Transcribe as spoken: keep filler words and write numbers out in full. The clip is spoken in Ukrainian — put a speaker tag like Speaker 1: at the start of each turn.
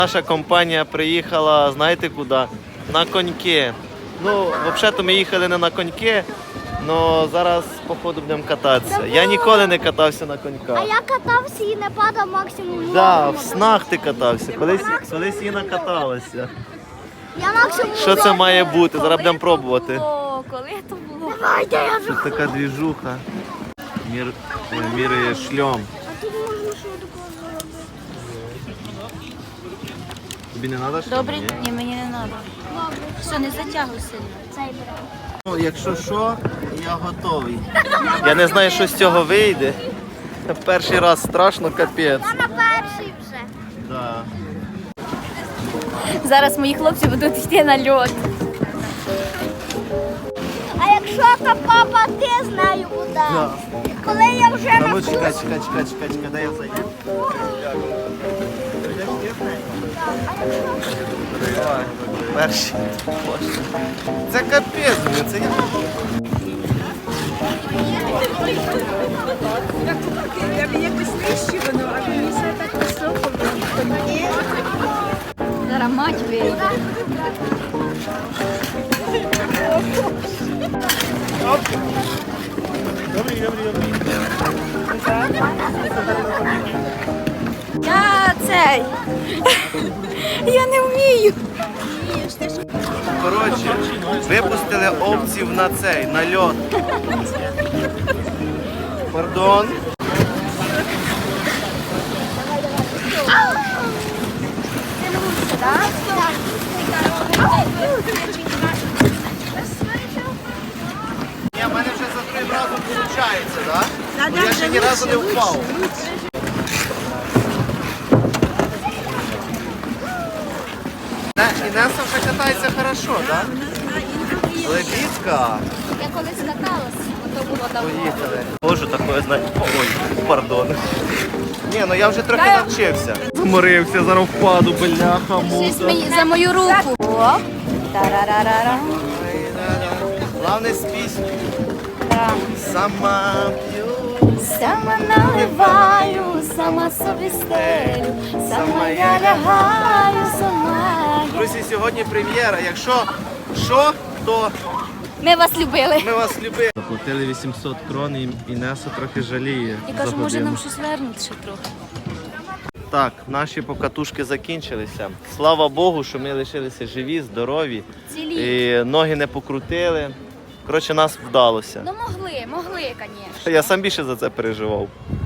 Speaker 1: Наша компанія приїхала, знаєте куди? На коньки. Ну, взагалі-то ми їхали не на коньки, але зараз, походу, будемо кататися. Я ніколи не катався на коньках.
Speaker 2: А я катався і не падав максимум.
Speaker 1: Так, да, в снах ти катався. Колись, колись Інна каталася.
Speaker 2: Я максимум.
Speaker 1: Що це має бути? Зараз будемо пробувати.
Speaker 3: Коли це було?
Speaker 2: Давайте, я вже.
Speaker 1: Тут така двіжуха. Мір, міряє шльом.
Speaker 2: А тут можна що такого зробити?
Speaker 1: Тобі не треба шльом?
Speaker 3: Добре,
Speaker 1: Ні?
Speaker 3: ні, мені не треба. Все, не затягуй сильно.
Speaker 2: Цей беремо.
Speaker 1: Ну, якщо що, я готовий. Я не знаю, що з цього вийде. Перший раз страшно, капець.
Speaker 2: Я на перший вже.
Speaker 1: Да.
Speaker 3: Зараз мої хлопці будуть йти на льот.
Speaker 2: А якщо то папа, ти знаю куди.
Speaker 1: Да.
Speaker 2: Коли я вже
Speaker 1: Та ну
Speaker 2: навчусь.
Speaker 1: чекай, чекай, чекай, чекай, чекай, дай я зайду. Давай, перший. Боже. Це капець, блін, це я.
Speaker 4: Я б якось нижче воно, а мені все так високо було.
Speaker 3: Зараз мать вийде. Я цей. Я не вмію.
Speaker 1: Коротше, випустили овців на цей, на льот. Пардон. Ні, в мене вже за три рази виходить, так? Да? Я ще ні разу не впав. Інеса вже катається хорошо, так? Да? Лебідка.
Speaker 3: Я колись каталась, то було давно.
Speaker 1: Поїхали. Боже, такое знаю. Ой, пардон. Ні, ну я вже трохи навчився. Зморився, зараз впаду, бляха,
Speaker 3: Щось
Speaker 1: мука.
Speaker 3: мені за мою руку. О, тарарарара.
Speaker 1: Главне з пісню. Сама п'ю.
Speaker 3: Сама наливаю, сама собі стелю, сама я лягаю, сама я.
Speaker 1: Друзі, сьогодні прем'єра. Якщо що, то
Speaker 3: Ми вас любили.
Speaker 1: ми вас любимо. Заплатили вісімсот крон і Інеса трохи жаліє.
Speaker 3: Я кажу,
Speaker 1: за
Speaker 3: може
Speaker 1: годину.
Speaker 3: нам щось вернути ще трохи.
Speaker 1: Так, наші покатушки закінчилися. Слава Богу, що ми лишилися живі, здорові.
Speaker 3: Цілі.
Speaker 1: І ноги не покрутили. Коротше, нас вдалося.
Speaker 3: Ну могли, могли, звісно.
Speaker 1: Я сам більше за це переживав.